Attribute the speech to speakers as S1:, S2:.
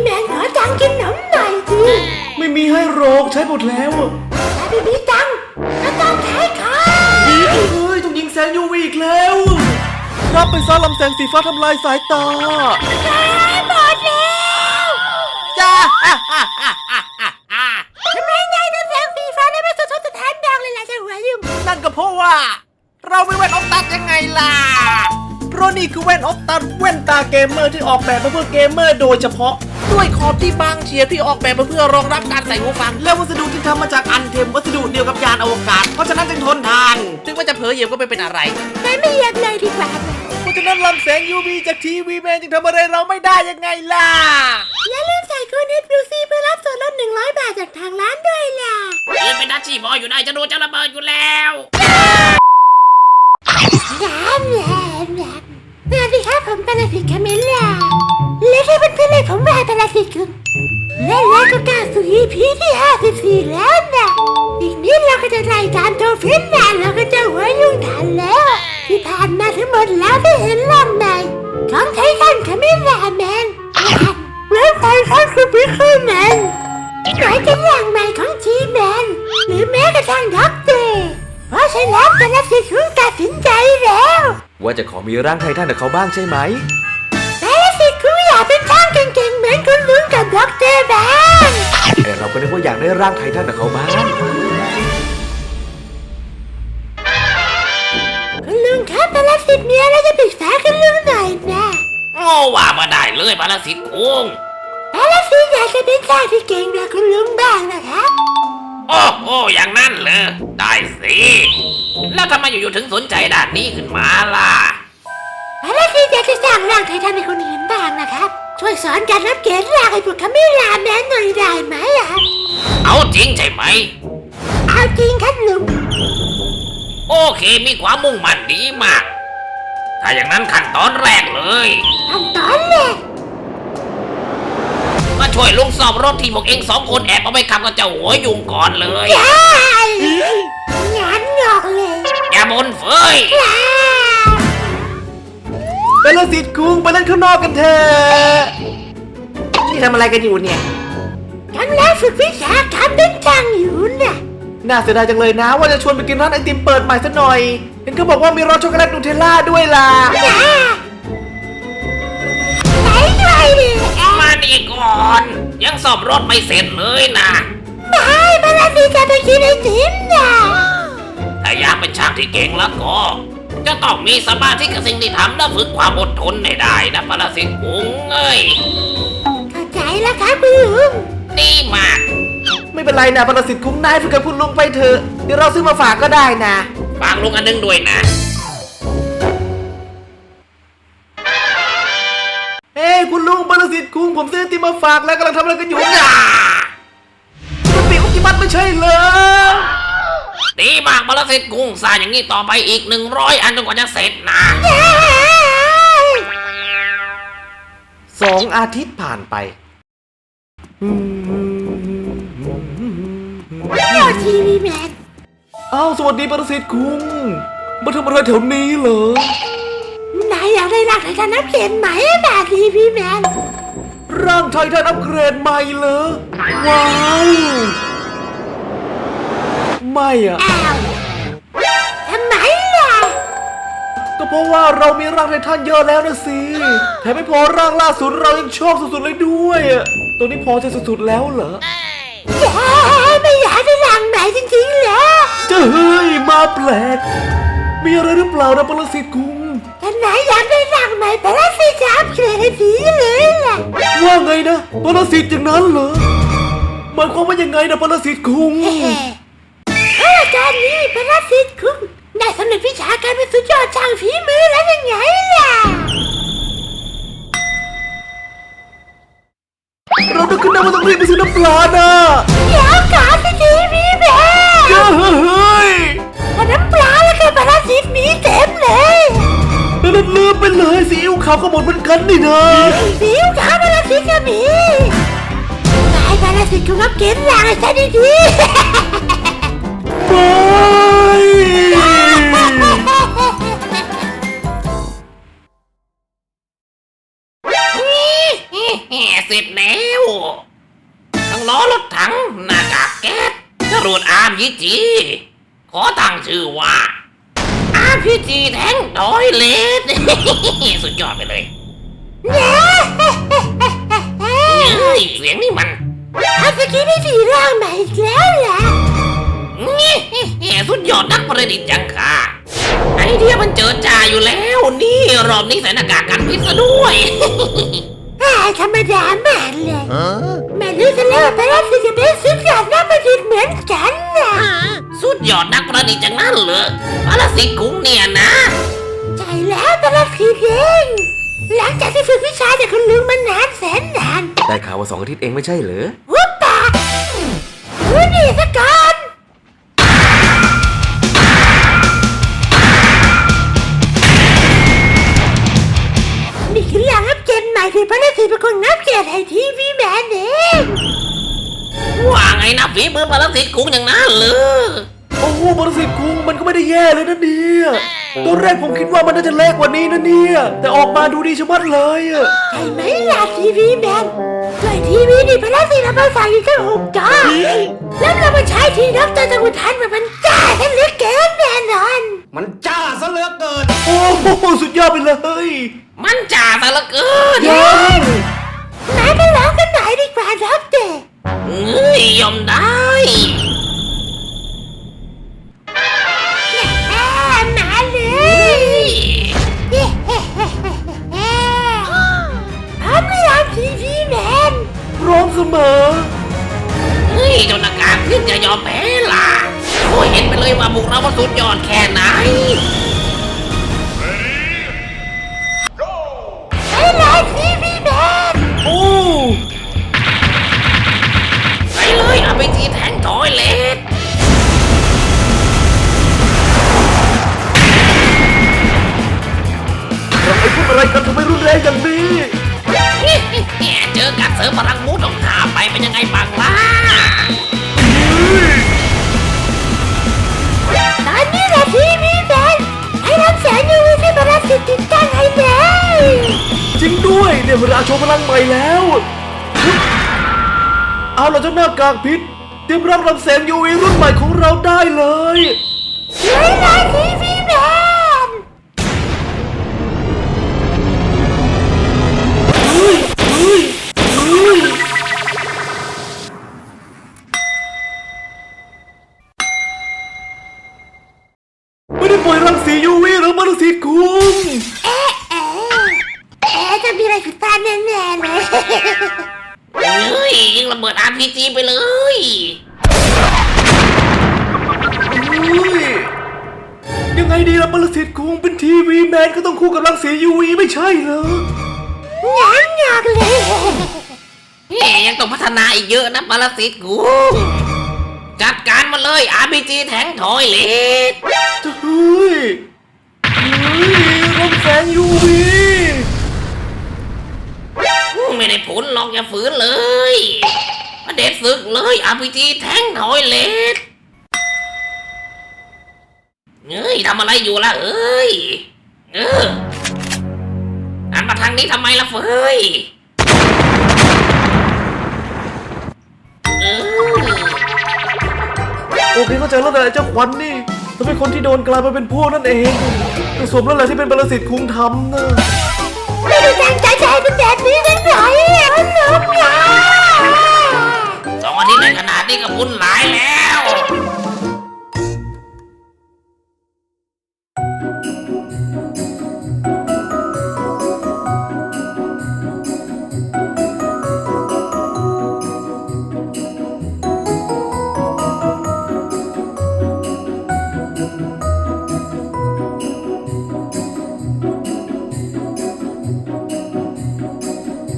S1: แมนขอตังค์กินขนมหน่อยสิ
S2: ไม่มีให้หรอกใช้หมดแล้ว
S1: ถ้าไม่มีตังค์ก็ต้องใช้ค่ะ
S2: เฮ้ยต้องยิงแสง UV อีกแล้วรับไปซะลำแสงสีฟ้าทำลายสายตา
S1: หมดแล้ว
S2: จ้า
S1: ทำไมนายลำแสงสีฟ้าได้ไม่สะท้อนสะท้านดังเลยล่ะเจ้าหัวยุ่ง
S2: นั่นก็เพราะว่าเราไม่แว่นออฟตัดยังไงล่ะเพราะนี่คือแว่นออฟตัดแว่นตาเกมเมอร์ที่ออกแบบมาเพื่อเกมเมอร์โดยเฉพาะด้วยขอบที่บางเฉียบที่ออกแบบมาเพื่อรองรับการใส่หูฟังและวัสดุที่ทำมาจากอันเทมวัสดุเดียวกับยานอวกาศเพราะฉะนั้นจึงทนทานถึงว่าจะเผลอเหยียบก็ไม่เป็นอะไร
S1: ไม่อยากเลยดีกว่า
S2: เพราะฉะนั้นลำแสง UV จากทีวีแมนจึงทำอะไรเราไม่ได้ยังไงล่ะ
S1: อย่าลืมใส่โค้ด HBC เพื่อรับส่วนลด100 บาทจากทางร้านด้วยล่ะ
S3: ยืนเป็นนักชีพออยู่ได้จะดูจะระเบิดอยู่แล้ว
S1: แหลมสวัสดีครับผมปรสิตคาเมล่าและที่เพื่อนๆเลยผมว่าปรสิตคุณและก็กล้าสู่ EP ที่54แล้วนะอีกนิดเราก็จะไล่ตามโทฟินนะเราก็จะหัวยุ่งทันแล้วที่ผ่านมาทั้งหมดแล้วได้เห็นร่างใหม่ของไททันคาเมล่าแมนและไททันคือพิคเกอร์แมนหมายถึงร่างใหม่ของจีแมนหรือแม้กระทั่งด็อกเตอร์เพราะฉะนั้นปรสิตคุณตัดสินใจแล้ว
S2: ว่าจะขอมีร่างไททันกับเขาบ้างใช่ไหม
S1: แต่สิคุณอยากเป็นช่างเก่งๆเหมือนคุณลุงกับด็อกเตอร์บ้าง
S2: แต่เราก็นึกว่าอยากได้ร่างไททันกับเขาบ้าง
S1: คุณลุงครับปรสิตมีอะไรจะปรึกษาคุณลุงหน่อยนะ
S3: โอ้ว่ามาได้เลยปรสิตคุ้ง
S1: ปรสิตอยากจะเป็นช่างที่เก่งแบบคุณลุงบ้างนะครับ
S3: โอ้อย่างนั้นเลยได้สิแล้วทำไมอยู่ๆถึงสนใจด้านนี้ขึ้นมาล่ะ
S1: ปรสิตอยากจะสร้างร่างไททันให้คนอื่นบ้างนะครับช่วยสอนการรับเกณฑ์ร่างให้พวกคาเมล่าแมนหน่อยได้ไหมอ่ะ
S3: เอาจริงใช่ไหม
S1: เอาจริงครับลุง
S3: โอเคมีความมุ่งมั่นดีมากถ้าอย่างนั้นขั้นตอนแรกเลย
S1: ขั้นตอนแรก
S3: มาช่วยลุงสอบรถที่พวกเอง2 คนแอบเอาไปขับกับเจ้าหัวยุงก่อนเลย
S1: งานงอกเลย
S3: อย่าบ่นเฟย
S2: ปรสิตคุ้งไปเล่นข้างนอกกันเถอะนี่ทำอะไรกันอยู่เนี่ย
S1: กำลังฝึกวิชาการเป็นช่างอยู่น่ะ
S2: น่าเสียดายจังเลยนะว่าจะชวนไปกินร้านไอติมเปิดใหม่ซะหน่อยเห็นเขาบอกว่ามีรสช็อกโกแลตนูเทลล่าด้วยล่ะ
S1: ไหนด้วยดิ
S3: มานี่ก่อนยังสอบรถไม่เสร็จเลยนะ
S1: ไม่ปรสิตจะไปกินไอติมน่ะ
S3: ถ้าอยากเป็นช่างที่เก่งแล้วก็จะต้องมีสมาธิกับสิ่งที่ทำและฝึกความอดทนให้ได้นะปรสิตคุ้งเอ้ย
S1: เข้าใจแล้วครับคุณลุง
S3: ดีมาก
S2: ไม่เป็นไรนะปรสิตคุ้งนายฝึกกับคุณลุงไปเถอะเดี๋ยวเราซื้อมาฝากก็ได้นะ
S3: ฝากลุงอันนึงด้วยนะ
S2: เฮ้คุณลุงปรสิตคุ้งผมซื้อไอติมมาฝากแล้วกำลังทำอะไรกันอยู่เนี่ยมันปีอุกิมัตไม่ใช่เหรอ
S3: ดีมากปรสิตคุ้งสร้างอย่างนี้ต่อไปอีก100 อันจนกว่าจะเสร็จนะ
S2: 2 อาทิตย์ผ่านไป
S1: ทีวีแมน
S2: อ้าวสวัสดีปรสิตคุ้งมาทำอะไรแถวนี้เหร
S1: อนายอยากได้ร่างไททันอัปเกรดใหม่แบบทีวีแมน
S2: ร่างไททันอัปเกรดใหม่เหรอว้าวไม่อะ
S1: ทำไมล่ะ
S2: ก็เพราะว่าเรามีร่างไททันเยอะแล้วนะสิแถมไม่พอร่างล่าสุดเรายังชอบสุดๆเลยด้วยตัวนี้พอจะสุดๆแล้วเหรอ
S1: ไม่อยากได้ร่างใหม่จริงๆเหรอ
S2: จะเฮ้ยมาแปลกมีอะไรหรือเปล่านะปรสิตคุ้ง
S1: ถ้านายอยากได้ร่างใหม่ปรสิตจะอัปเกรดให้ดีเลยล่ะ
S2: ว่าไงนะปรสิตอย่างนั้นเหรอหมายความว่ายังไงนะปรสิตคุ้ง
S1: ตอนนี้ปรสิตคุ้งได้สำเร็จวิชาการเป็นสุดยอดช่างฝีมือแล้วยังไงล่ะ
S2: เราต้องขึ้นน้ำมาต้องรีบไปซื้อน้ำปลานะ
S1: เดี๋ยวก่อนสิทีวีแม่
S2: เฮ้ย
S1: น้ำปลาแล้วก็ปรสิตมีเต็มเลย
S2: แล้วลืมไปเลยซีอิ๊วขาวก็หมดเหมือนกันนี่นะ
S1: ซีอิ๊วขาวปรสิตก็มีนายปรสิตคุณรับเกณฑ์ร่างให้ฉันดี
S2: ไ
S3: เสร็จแล้วทั้งล้อรถถังหน้ากากแก๊สจรวดRPG ขอตั้งชื่อว่า RPG แทงทอยเลส สุดยอดไปเลยเฮ้ยเสียงนี่มัน
S1: อาสกีไม่สีร่างใหม่อีกแล้วเหรอ
S3: สุดยอดนักประดิษฐ์จังค่ะไอเดียมันเจิดจ้าอยู่แล้วนี่รอบนี้ใส่หน้ากากกันพิษซะด้วย
S1: ธรรมดาแม่เลยแม่รู้ซะแล้วว่าพระราชจะเป็นสุดยอดนักประดิษฐ์เหมือนกันนะ
S3: สุดยอดนักประดิษฐ์จังนั้นเหรอพระสิกุ้งเนี่ยนะ
S1: ใช่แล้วพระราชเองหลังจากที่ฝึกวิชาจากคุณลุงมานานแสนนาน
S4: ได้ข่าวว่า2 อาทิตย์เองไม่ใช่เหรอ
S1: วุบปากดูนี่ซะก่อนนี่คือหลังอัปเกรดใหม่ที่พระราชเป็นคนอัปเกรดให้ทีวีแมนเอง
S3: ว่าไงนะฝีมือพระสิกุ้งอย่างนั้นเหรอ
S2: โอ้โหบริษัทคุงมันก็ไม่ได้แย่เลยนะเนี่ยตอนแรกผมคิดว่ามันน่าจะเล็กกว่านี้นะเนี่ยแต่ออกมาดูดีชะมัดเลยอะ
S1: ใช่ไหมล่ะทีวีแมนด้วยทีวีนี่พระราชเรามาใส่อีกแค่6 จอแล้วเรามาใช้ทีดรตะกุทันมันจ้าให้เหลือเกินแน่นอน
S4: มันจ้าซะเหลือเกิน
S2: โอ้โหสุดยอดไปเลย
S3: มันจ่าซะเหลือเกิน
S2: เย้
S1: ไหนไปร้องกันหน่อยดีกว่าครับเด็ก
S3: เฮ้ยยอมได้
S1: มาเลย พร้อมหรือยังทีวีแมน
S2: พร้อมเสมอ
S3: เฮ้ยเจ้าหน้ากากขึ้นจะยอมแพ้ล่ะโอ้ยเห็นไปเลยว่าบุกเรามันสุดยอดแค่ไหน
S1: ไปเลยทีวีแมน
S2: โอ้
S3: ไปเลยเอาไปทีแทงทอยเลส
S2: เราไปพูดอะไรกันทำไมรุนแรงอย่างนี้
S3: เจอกับเสริมพลังมูดของข้าไปเป็นยังไงบ้างล่ะ
S1: ตอนนี้แหละทีวีแมนให้รับแสงยูวีที่พระราชติดตั้งให้เลย
S2: จริงด้วยเนี่ยเวลาโชว์พลังใหม่แล้วเอาล่ะเจ้าหน้ากากพิษเตรียมรับลำแสง UV รุ่นใหม่ของเราได้เลย
S1: เลยนะทีวีแมน
S2: ไม่ได้ปล่อยรังสี UV หรือมันสีคุ้ม
S1: จะมีอะไรผิดพลาดแน่ๆเลย
S3: เฮ้ยยิงระเบิด RPG ไปเลย
S2: ยังไงดีล่ะปรสิตคุ้งเป็นทีวีแมนก็ต้องคู่กับรังสี UV ไม่ใช่เหรอ
S1: งานเลย
S3: เฮ้ยยังต้องพัฒนาอีกเยอะนะปรสิตกูจัดการมาเลย RPG แทงทอยเลส
S2: เฮ้ยลำแสง UV
S3: ไม่ได้ผลหรอกอย่าฝืนเลย มาเด็ดศึกเลย RPG แทงทอยเลสเฮ้ยทำอะไรอยู่ล่ะเอ้ยหันมาทางนี้ทำไมล่ะเฟย
S2: โอเคเข้าใจแล้วแต่เจ้าขวัญนี่จะเป็นคนที่โดนกลายมาเป็นพวกนั่นเองแต่สมแล้วแหละที่เป็นปรสิตคุ้งทำนะ
S1: ไม่ได้ตั้งใจจะให้เป็นแบบนี้สักหน่อยน้องยา
S3: 2 อาทิตย์ในขนาดนี้ก็บุญหลายแล้ว